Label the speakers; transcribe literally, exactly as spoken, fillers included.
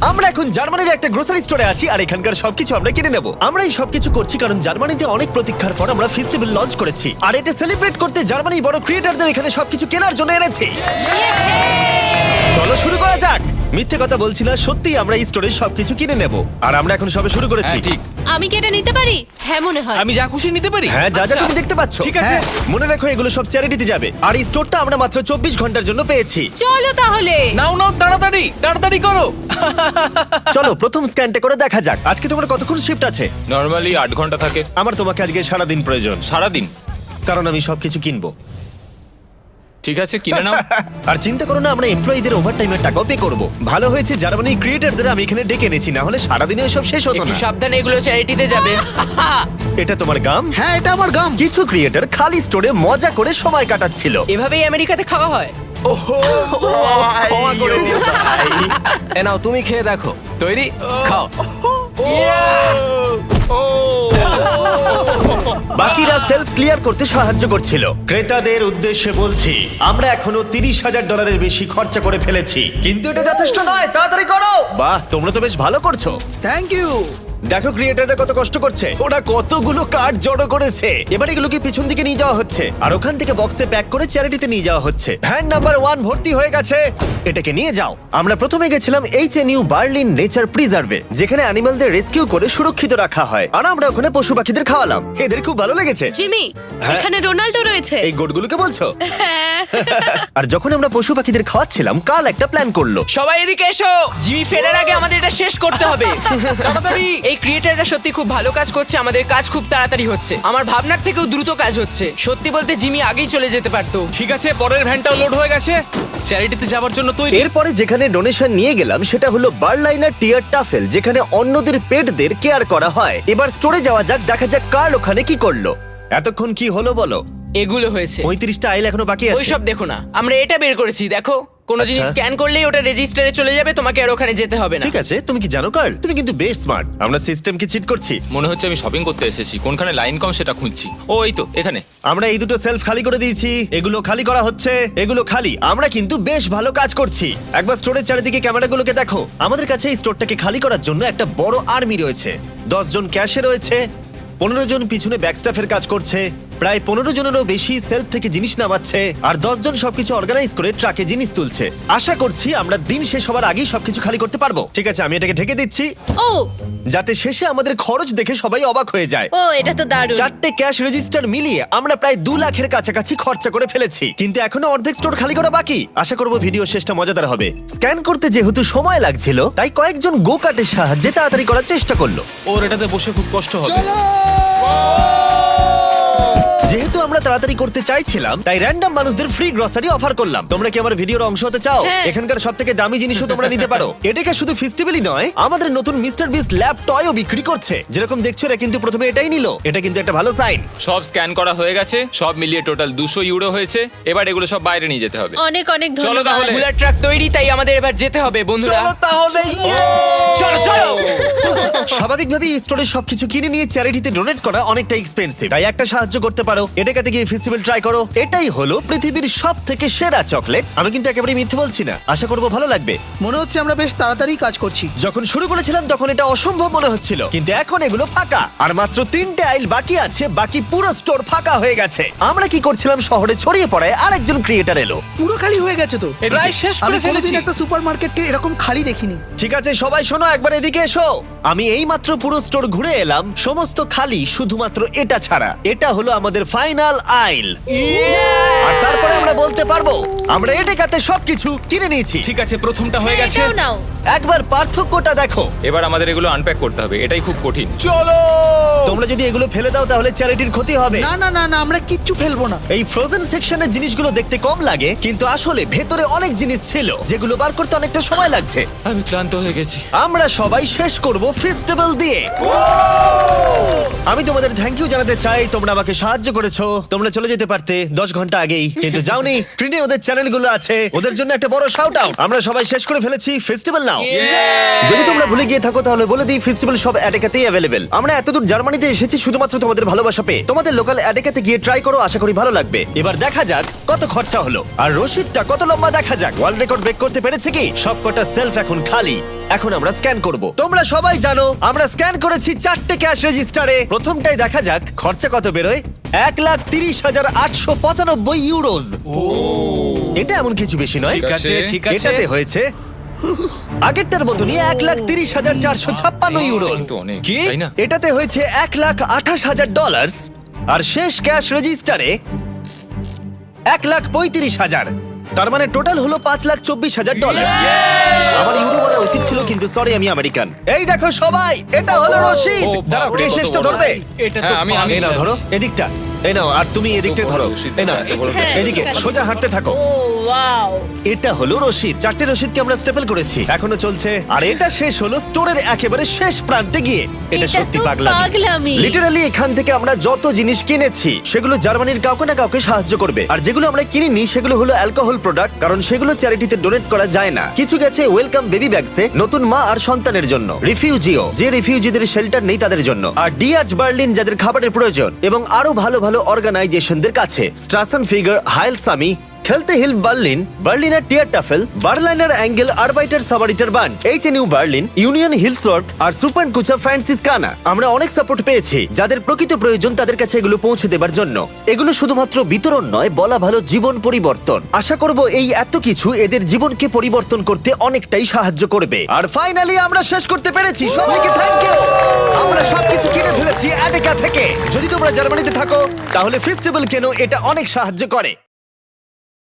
Speaker 1: আমরা এখন জার্মানির একটা গ্রোসারি স্টোরে আছি আর এখানকার সবকিছু আমরা কিনে নেব। আমরা এই সবকিছু করছি কারণ জার্মানিতে অনেক প্রতীক্ষার পর আমরা ফেস্টিভ্যাল লঞ্চ করেছি, আর এটা সেলিব্রেট করতে জার্মানির বড় ক্রিয়েটরদের এখানে সবকিছু কেনার জন্য এনেছি। চলো শুরু করা যাক। মিথ্যে কথা বলছি না, সত্যি আমরা এই স্টোরে সবকিছু কিনে নেব, আর আমরা এখন সবে শুরু করেছি।
Speaker 2: হ্যাঁ, ঠিক।
Speaker 3: আমি কি এটা নিতে পারি? হ্যাঁ মনে হয়।
Speaker 2: আমি যা খুশি নিতে পারি।
Speaker 1: হ্যাঁ, যা যা
Speaker 2: আচ্ছা।
Speaker 1: তুমি দেখতে পাচ্ছ।
Speaker 2: ঠিক আছে।
Speaker 1: হ্যাঁ, মনে রাখো এগুলো সব চ্যারিটিতে যাবে, আর এই স্টোরটা আমরা মাত্র চব্বিশ ঘন্টার জন্য পেয়েছি।
Speaker 3: চলো তাহলে।
Speaker 2: নাও নাও, তাড়াতাড়ি তাড়াতাড়ি করো।
Speaker 1: চলো প্রথম স্ক্যানটা করে দেখা যাক। আজকে তোমার কতক্ষণ শিফট আছে?
Speaker 4: নর্মালি আট ঘন্টা থাকে।
Speaker 1: আমার তোমাকে আজকে সারা দিন প্রয়োজন,
Speaker 4: সারাদিন?
Speaker 1: কারণ আমি সবকিছু কিনবো।
Speaker 4: ঠিক আছে, কিনে নাও।
Speaker 1: আর চিন্তা করো না, আমরা এমপ্লয়ীদের ওভারটাইমের টাকাও পে করব। ভালো হয়েছে জার্মানির ক্রিয়েটরদের আমি এখানে ডেকে এনেছি, না হলে সারাদিনে সব শেষ হতো
Speaker 5: একটু
Speaker 1: না।
Speaker 5: সাবধানে, এগুলো চ্যারিটিতে যাবে।
Speaker 1: এটা তোমার গাম?
Speaker 6: হ্যাঁ, এটা আমার গাম।
Speaker 1: কিছু ক্রিয়েটর খালি স্টোরে মজা করে সময় কাটাচ্ছিল।
Speaker 5: এভাবেই আমেরিকাতে খাওয়া হয়।
Speaker 1: ক্ষমা করে দিও ভাই।
Speaker 5: এ নাও, তুমি খেয়ে দেখো। তৈরি? খাও।
Speaker 1: বাকিরা সেলফ ক্লিয়ার করতে সাহায্য করছিল। ক্রেতাদের উদ্দেশ্যে বলছি, আমরা এখনো তিরিশ হাজার ডলারের বেশি খরচা করে ফেলেছি, কিন্তু এটা যথেষ্ট নয়। তাড়াতাড়ি করো। বাহ, তোমরা তো বেশ ভালো করছো।
Speaker 6: Thank you.
Speaker 1: দেখো ক্রিয়েটাররা কত কষ্ট করছে, ওরা কতগুলো কার্ড জড়ো করেছে। এবার এগুলোকে পিছন দিকে নিয়ে যাওয়া হচ্ছে, আর ওখান থেকে বক্সে প্যাক করে চ্যারিটিতে নিয়ে যাওয়া হচ্ছে। ভ্যান নাম্বার ওয়ান ভর্তি হয়ে গেছে, এটাকে নিয়ে যাও। আমরা প্রথমে গেছিলাম H N U Berlin nature প্রিজার্ভে, যেখানে অ্যানিমালদের রেস্কিউ করে সুরক্ষিত রাখা হয়, আর আমরা ওখানে পশু পাখিদের খাওয়ালাম। এদের খুব ভালো লেগেছে।
Speaker 3: জিমি,
Speaker 1: হ্যাঁ।
Speaker 3: এখানে রোনাল্ডো রয়েছে।
Speaker 1: এই গোটগুলোকে বলছো?
Speaker 3: হ্যাঁ।
Speaker 1: আর যখন আমরা পশু পাখিদের খাওয়াচ্ছিলাম, কাল একটা প্ল্যান করলো।
Speaker 5: সবাই এদিকে এসো। জিমি ফেরার আগে আমাদের এটা শেষ করতে হবে।
Speaker 2: তাড়াতাড়ি।
Speaker 5: এই ক্রিয়েটাররা সত্যি খুব ভালো কাজ করছে, আমাদের কাজ খুব তাড়াতাড়ি হচ্ছে। আমার ভাবনার থেকেও দ্রুত কাজ হচ্ছে। সত্যি বলতে জিমি আগেই চলে যেতে পারতো।
Speaker 2: ঠিক আছে, পরের ভ্যানটাও লোড হয়ে গেছে। চ্যারিটিতে যাওয়ার জন্য তৈরি।
Speaker 1: এরপরে যেখানে ডোনেশন নিয়ে গেলাম সেটা হলো বার্লাইনার টিয়ার টাফেল, যেখানে অন্যদের পেটদের কেয়ার করা হয়। এবার স্টোরে যাওয়া যাক, দেখা যাক কার্ল ওখানে কি করলো। এতক্ষণ কি হলো বলো?
Speaker 5: এগুলো হয়েছে।
Speaker 1: পঁয়ত্রিশটা আইল এখনো বাকি আছে।
Speaker 5: ওইসব দেখো না, আমরা এটা বের করেছি। দেখো, কোনো
Speaker 1: আচ্ছা।
Speaker 5: জিনিস স্ক্যান করলেই ওটা রেজিস্টারে চলে যাবে, তোমাকে আর ওখানে যেতে হবে না।
Speaker 1: ঠিক আছে, তুমি কি জানো কার্ল, তুমি কিন্তু বেশ স্মার্ট। আমরা সিস্টেমকে চিট করছি।
Speaker 4: মনে হচ্ছে আমি শপিং করতে এসেছি, কোনখানে লাইন কম সেটা খুঁজছি। ও এই তো এখানে।
Speaker 1: আমরা এই দুটো সেলফ খালি করে দিয়েছি, এগুলো খালি করা হচ্ছে, এগুলো খালি। আমরা কিন্তু বেশ ভালো কাজ করছি। একবার স্টোরের চারিদিকে ক্যামেরাগুলোকে দেখো। আমাদের কাছে এই স্টোরটাকে খালি করার জন্য একটা বড় আর্মি রয়েছে। দশ জন ক্যাশে রয়েছে, পনেরো জন পিছনে ব্যাকস্টাফের কাজ করছে, প্রায় পনেরো জনেরও বেশি সেলফ থেকে জিনিস নামাচ্ছে, আর দশ জন সবকিছু অর্গানাইজ করে ট্রাকে জিনিস তুলছে। আশা করছি আমরা দিন শেষ হওয়ার আগেই সবকিছু খালি করতে পারবো। ঠিক আছে, আমি এটাকে ঢেকে দিচ্ছি,
Speaker 3: ও
Speaker 1: যাতে শেষে আমাদের খরচ দেখে সবাই অবাক হয়ে যায়।
Speaker 3: ও এটা তো দারুণ।
Speaker 1: চারটে ক্যাশ রেজিস্টার মিলিয়ে আমরা প্রায় দু লাখের কাছাকাছি খরচা করে ফেলেছি, কিন্তু এখনো অর্ধেক স্টোর খালি করা বাকি। আশা করবো ভিডিও শেষটা মজাদার হবে। স্ক্যান করতে যেহেতু সময় লাগছিল, তাই কয়েকজন গো কার্টের সাহায্যে তাড়াতাড়ি করার চেষ্টা করলো।
Speaker 2: ওর এটাতে বসে খুব কষ্ট হবে।
Speaker 1: যেহেতু আমরা তাড়াতাড়ি করতে চাইছিলাম, তাই র্যান্ডম মানুষদের ফ্রি গ্রসারি অফার করলাম। তোমরা কি আমার ভিডিওর অংশ হতে চাও?
Speaker 3: হ্যাঁ।
Speaker 1: এখানকার সব থেকে দামি জিনিসও তোমরা নিতে পারো। এটাকে শুধু ফেস্টিভ্যালই নয়, আমাদের নতুন মিস্টার বিস্ট ল্যাব টয়ও বিক্রি করছে। যেরকম দেখছো, এরা কিন্তু প্রথমে এটাই নিল। এটা কিন্তু একটা ভালো সাইন।
Speaker 4: সব স্ক্যান করা হয়ে গেছে, সব মিলিয়ে টোটাল দুশো ইউরো হয়েছে। এবার এগুলো সব বাইরে নিয়ে যেতে হবে।
Speaker 3: অনেক অনেক
Speaker 4: চলো
Speaker 3: ধন্যবাদ।
Speaker 4: তাহলে।
Speaker 5: বুলার ট্রাক তৈরি, তাই আমাদের এবার যেতে হবে বন্ধুরা।
Speaker 2: তাহলে
Speaker 5: চলো চলো।
Speaker 1: স্বাভাবিকভাবেই স্টোরে সবকিছু কিনে নিয়ে চ্যারিটিতে ডোনেট করা অনেকটা এক্সপেন্সিভ, তাই একটা সাহায্য করতে পারো। এটাকে গিয়ে ফেস্টিভ্যাল ট্রাই করো। এটাই হলো পৃথিবীর সব থেকে সেরা চকলেট। আমি কিন্তু একেবারে মিথ্যে বলছি না, আশা করবো ভালো লাগবে।
Speaker 6: মনে হচ্ছে আমরা বেশ তাড়াতাড়ি কাজ করছি।
Speaker 1: যখন শুরু করেছিলাম তখন এটা অসম্ভব মনে হচ্ছিল, কিন্তু এখন এগুলো ফাঁকা, আর মাত্র তিনটে আইল বাকি আছে। বাকি পুরো স্টোর ফাঁকা হয়ে গেছে। আমরা কি করছিলাম, শহরে ছড়িয়ে পড়ায় আরেকজন ক্রিয়েটার এলো।
Speaker 6: পুরো খালি হয়ে গেছে তো।
Speaker 2: প্রায় শেষ
Speaker 6: আমি
Speaker 2: করে ফেলেছি।
Speaker 6: কোনোদিন একটা সুপারমার্কেটকে এরকম খালি দেখিনি।
Speaker 1: ঠিক আছে সবাই শোনো, একবার এদিকে এসো। আমি এই মাত্র পুরো স্টোর ঘুরে এলাম, সমস্ত খালি, শুধুমাত্র এটা ছাড়া। এটা হলো আমাদের ফাইনাল আইল, আর তারপরে আমরা বলতে পারবো আমরা এটাতে সবকিছু কিনে নিয়েছি।
Speaker 2: ঠিক আছে, প্রথমটা হয়ে গেছে।
Speaker 3: এটাও নাও।
Speaker 1: একবার পার্থক্যটা দেখো।
Speaker 4: এবার আমাদের এগুলো আনপ্যাক করতে হবে, এটাই খুব কঠিন।
Speaker 2: চলো।
Speaker 1: তোমরা যদি এগুলো ফেলে দাও তাহলে চ্যারিটির ক্ষতি হবে।
Speaker 6: না না না না, আমরা কিচ্ছু ফেলবো না।
Speaker 1: এই ফ্রোজেন সেকশনের জিনিসগুলো দেখতে কম লাগে, কিন্তু আসলে ভেতরে অনেক জিনিস ছিল যেগুলো বার করতে অনেকটা সময় লাগছে।
Speaker 4: আমি ক্লান্ত হয়ে গেছি।
Speaker 1: আমরা সবাই শেষ করব ফেস্টিভ্যাল দিয়ে। আমি তোমাদের থ্যাংক ইউ জানাতে চাই, তোমরা আমাকে সাহায্য করেছো। তোমরা চলে যেতে পারতে দশ ঘন্টা আগেই, কিন্তু যাওনি। স্ক্রিনে ওদের চ্যানেলগুলো আছে, ওদের জন্য একটা বড় শাউট আউট। আমরা সবাই শেষ করে ফেলেছি, ফেস্টিভ্যাল নাও। যদি তোমরা ভুলে গিয়ে থাকো তাহলে বলে দিই, ফেস্টিভ্যাল সব অ্যাডেকাতেই অ্যাভেলেবেল। আমরা এতদূর জার্মানিতে এসেছি শুধুমাত্র তোমাদের ভালোবাসা পেয়ে। তোমাদের লোকাল অ্যাডেকাতে গিয়ে ট্রাই করো, আশা করি ভালো লাগবে। এবার দেখা যাক কত খরচা হলো, আর রসিদটা কত লম্বা দেখা যাক। ওয়ার্ল্ড রেকর্ড ব্রেক করতে পেরেছে কি? সবকটা সেলফ এখন খালি। এখন আমরা স্ক্যান করব। তোমরা সবাই জানো আমরা স্ক্যান করেছি চারটে ক্যাশ রেজিস্টারে। প্রথমটাই দেখা যাক খরচা কত বেরোয়। এক লাখ তিরিশ হাজার আটশো পঁচানব্বই ইউরোজ। এটা এমন কিছু বেশি নয়।
Speaker 2: ঠিক আছে ঠিক আছে
Speaker 1: এটাতে হয়েছে আগেরটার মতনই এক লাখ তিরিশ হাজার চারশো ছাপ্পান্ন ইউরোজ।
Speaker 4: তো অনেক
Speaker 2: কি?
Speaker 4: তাই না?
Speaker 1: এটাতে হয়েছে এক লাখ আঠাশ হাজার ডলার। আর শেষ ক্যাশ রেজিস্টারে এক লাখ পঁয়ত্রিশ হাজার। তার মানে টোটাল হলো পাঁচ লাখ চব্বিশ হাজার ডলার। আমার ইউরো বলা উচিত ছিল, কিন্তু সরি আমি আমেরিকান। এই দেখো সবাই, এটা হলো রশিদ।
Speaker 4: ও,
Speaker 1: দাঁড়াও,
Speaker 4: বাপরে,
Speaker 1: কে
Speaker 4: কত
Speaker 1: শেষটা
Speaker 4: বড়।
Speaker 1: ধরবে?
Speaker 2: এটা তো
Speaker 4: হ্যাঁ, আমি- আমি-
Speaker 1: এই নাও ধরো, এদিকটা এই নাও, আর তুমি এদিকটা
Speaker 4: বড়
Speaker 1: ধরো।
Speaker 4: রশিদ,
Speaker 1: এই নাও,
Speaker 4: এত বড়
Speaker 3: হ্যাঁ,
Speaker 1: এদিকে
Speaker 3: ঠিক আছে।
Speaker 1: সোজা হাঁটতে থাকো।
Speaker 3: Oh wow.
Speaker 1: এটা হলো রশিদ। চারটে রশিদকে আমরা স্টেপল করেছি, এখনো চলছে। আর এটা শেষ হলো স্টোরের একেবারে শেষ প্রান্তে গিয়ে। এটা
Speaker 3: এটা
Speaker 1: সত্যি
Speaker 3: তো
Speaker 1: পাগলামি।
Speaker 3: পাগলামি।
Speaker 1: লিটারালি এখান থেকে আমরা যত জিনিস কিনেছি সেগুলো জার্মানির কাউকে না কাউকে সাহায্য করবে। আর যেগুলো আমরা কিনিনি সেগুলো হলো অ্যালকোহল প্রোডাক্ট, কারণ সেগুলো চ্যারিটিতে ডোনেট করা যায় না। কিছু গেছে ওয়েলকাম বেবি ব্যাগসে, নতুন মা আর সন্তানের জন্য। রিফিউজিও, যে রিফিউজিদের শেল্টার নেই তাদের জন্য। আর ডিআরচ বার্লিন, যাদের খাবারের প্রয়োজন। এবং আরো ভালো ভালো অর্গানাইজেশনদের কাছে স্ট্রাসন ফিগার, হাইল সামি, খেলতে হিল বার্লিন, বার্লিনার টিয়ার টাফেল, বার্লাইনার অ্যাঙ্গেল, আরবাইটার সাবারিটার বান্ড, H N U Berlin, union হিলসওয়ার্ক আর সুপার কুচা ফ্রান্সিসকানা। আমরা অনেক সাপোর্ট পেয়েছি। যাদের প্রকৃত প্রয়োজন তাদের কাছে এগুলো পৌঁছে দেবার জন্য। এগুলো শুধুমাত্র বিতরণ নয়, বলা ভালো জীবন পরিবর্তন। আশা করব এই এত কিছু এদের জীবনকে পরিবর্তন করতে অনেকটাই সাহায্য করবে। আর ফাইনালি আমরা শেষ করতে পেরেছি। সবাইকে থ্যাংক ইউ। আমরা সবকিছু কিনে ফেলেছি অ্যাডেকা থেকে। যদি তোমরা জার্মানিতে থাকো তাহলে ফেস্টিভ্যাল কেন, এটা অনেক সাহায্য করে।